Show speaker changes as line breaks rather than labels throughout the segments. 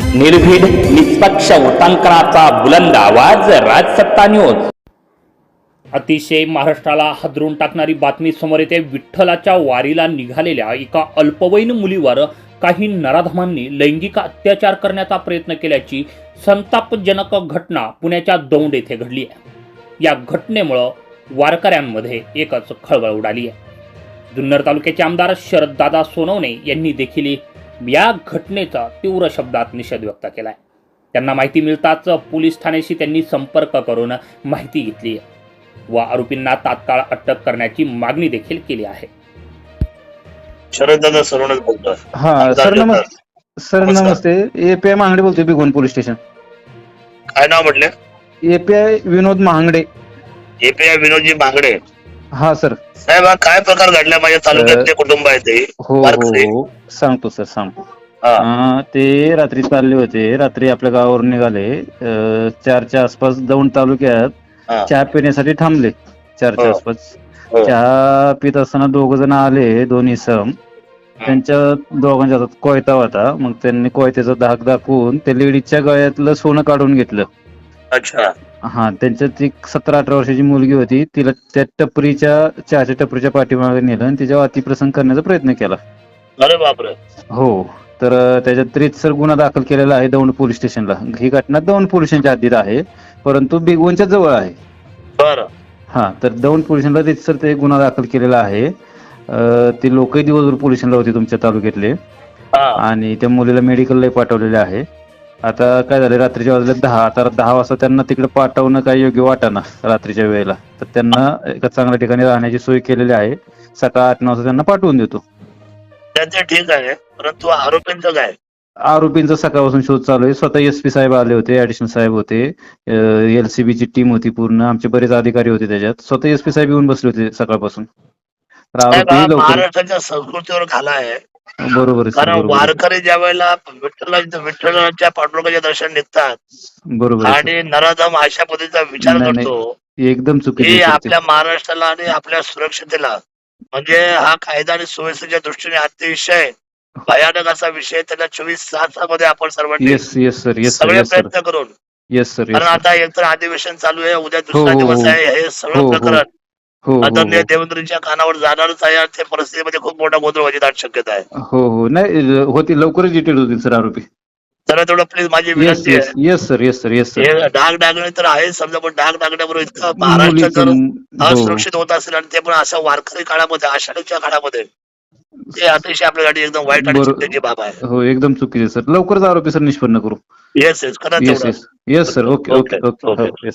निर्भीड निष्पक्ष वृत्तांकनाचा बुलंद आवाज, राजसत्ता न्यूज. अतिशय महाराष्ट्राला हादरून टाकणारी बातमी समोर येते. विठ्ठलाच्या वारीला निघालेल्या एका अल्पवयीन मुलीवर काही नराधमांनी लैंगिक अत्याचार करण्याचा प्रयत्न केल्याची संतापजनक घटना पुण्याच्या दौंड येथे घडली आहे. या घटनेमुळे वारकऱ्यांमध्ये एकच खळबळ उडाली आहे. जुन्नर तालुक्याचे आमदार शरददादा सोनवणे यांनी देखील या घटनेचा तीव्र शब्दात निषेध व्यक्त केलाय. त्यांना माहिती मिळताच पोलीस ठाण्याशी त्यांनी संपर्क करून माहिती घेतली व आरोपींना तात्काळ अटक करण्याची मागणी देखील केली आहे.
शरददादा सोनवणे बोलतोय.
हा सर नमस्ते. एपीआय महांगडे बोलतोय, बिगोन पोलीस स्टेशन.
काय नाव म्हटले?
एपीआय विनोद महांगडे.
एपीआय विनोदजी महांगडे.
हा सर.
साहेब, हा काय प्रकार घडला? माझ्या तालुक्यातले कुटुंब आहे ते.
हो हो सांगतो सर, सांगतो. ते रात्री चालले होते. रात्री आपल्या गावावरून निघाले. 4च्या आसपास दौंड तालुक्यात चहा पिण्यासाठी थांबले. 4च्या आसपास चहा पित असताना 2 जण आले, 2 इसम. त्यांच्या दोघांच्या हातात कोयता होता. मग त्यांनी कोयत्याचा धाक दाखवून त्या लेडीजच्या गळ्यातलं सोनं काढून घेतलं.
अच्छा.
हा, त्यांच्यात एक 17-18 वर्षाची मुलगी होती. तिला त्या चहाच्या टपरीच्या पाठीमागे नेलं आणि तिच्यावर अतिप्रसंग करण्याचा प्रयत्न केला.
अरे बापरे.
हो, तर त्याच्यात रीतसर गुन्हा दाखल केलेला आहे दौंड पोलीस स्टेशनला. ही घटना दौंड पोलिसांच्या हद्दीत आहे, परंतु बिगवनच्या जवळ आहे.
बरं.
हा, तर दौंड पोलिसांना रीतसर ते गुन्हा दाखल केलेला आहे. ते लोकही दिवसभर पोलिसांना होते तुमच्या तालुक्यातले, आणि त्या मुलीला मेडिकलला पाठवलेले आहे. आता काय झालं, रात्रीच्या वाजल्या 10. आता 10 वाजता त्यांना तिकडे पाठवणं काही योग्य वाटेना रात्रीच्या वेळेला. तर त्यांना एका चांगल्या ठिकाणी राहण्याची सोय केलेली आहे. सकाळ 8-9 वाजता त्यांना पाठवून देतो.
त्यांचं ठीक आहे, परंतु आरोपींचं काय?
आरोपींचा सकाळपासून शोध चालू आहे. स्वतः एसपी साहेब आले होते, ऍडिशनल साहेब होते, एलसीबीची टीम होती पूर्ण, आमचे बरेच अधिकारी होते त्याच्यात. स्वतः एसपी साहेब येऊन बसले होते सकाळपासून.
महाराष्ट्राच्या संस्कृतीवर घाला आहे.
बरोबर.
कारण वारकरी ज्या वेळेला विठ्ठलाच्या पांडुरंगाच्या दर्शन निघतात, बरोबर, आणि नराधम अशा पद्धतीचा विचार करतो,
एकदम चुकीचे.
आपल्या महाराष्ट्राला आणि आपल्या सुरक्षतेला, म्हणजे हा कायदा आणि सुव्यवस्थेच्या दृष्टीने अतिशय भयानक असा विषय. त्याला 24 तासामध्ये आपण सर्वांनी सगळे प्रयत्न करून, कारण आता एकतर अधिवेशन चालू आहे, उद्या दुसरा दिवस आहे, हे सगळं प्रकरण आदरणीय देवेंद्रजींच्या कानावर जाणारच आहे. त्या परिस्थितीमध्ये खूप मोठा गोंधळ व्हायची दाट शक्यता आहे.
हो, नाही होती, लवकरच डिटेल होतील सर आरोपी.
तर तेवढं प्लीज माझी विनंती आहे.
Yes sir.
डाग डागणे तर आहे समजा, पण डाग डागण्याबरोबर इतकं महाराष्ट्र जर असुरक्षित होत असेल, आणि ते पण असं वारकरी काळामध्ये, आषाढीच्या काळामध्ये, ते अतिशय आपल्यासाठी एकदम वाईट आणि चिंतेची बाब आहे.
हो, एकदम चुकीचे सर. लवकरच आरोपी सर निष्पन्न करू.
Yes
sir. Okay.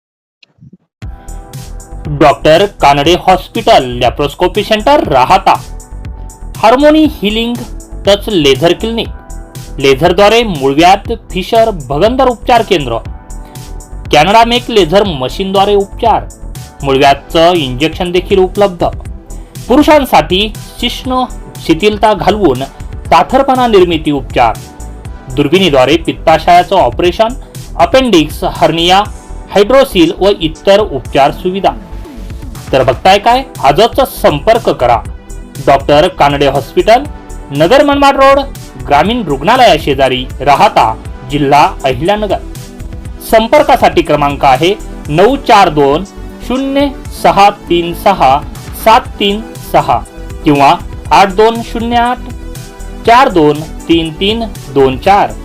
Doctor Kanade hospital, laparoscopy centre, Rahata. Harmony healing touch laser clinic, लेझरद्वारे मूळव्याध, फिशर, भगंदर उपचार केंद्र. कॅनडा मेक लेझर मशीनद्वारे उपचार. मूळव्याधचं इंजेक्शन देखील उपलब्ध. पुरुषांसाठी शिश्न शिथिलता घालवून ताठरपणा निर्मिती उपचार. दुर्बिणीद्वारे पित्ताशयाचं ऑपरेशन, अपेंडिक्स, हर्निया, हायड्रोसिल व इतर उपचार सुविधा. तर बघताय काय, आजच संपर्क करा. Doctor Kanade hospital, Nagar Manmad road, ग्रामीण रुग्णालया शेजारी, राहाता, जिल्हा अहिल्यानगर. संपर्कासाठी क्रमांक आहे 942-0636-736 किंवा 8208-423324.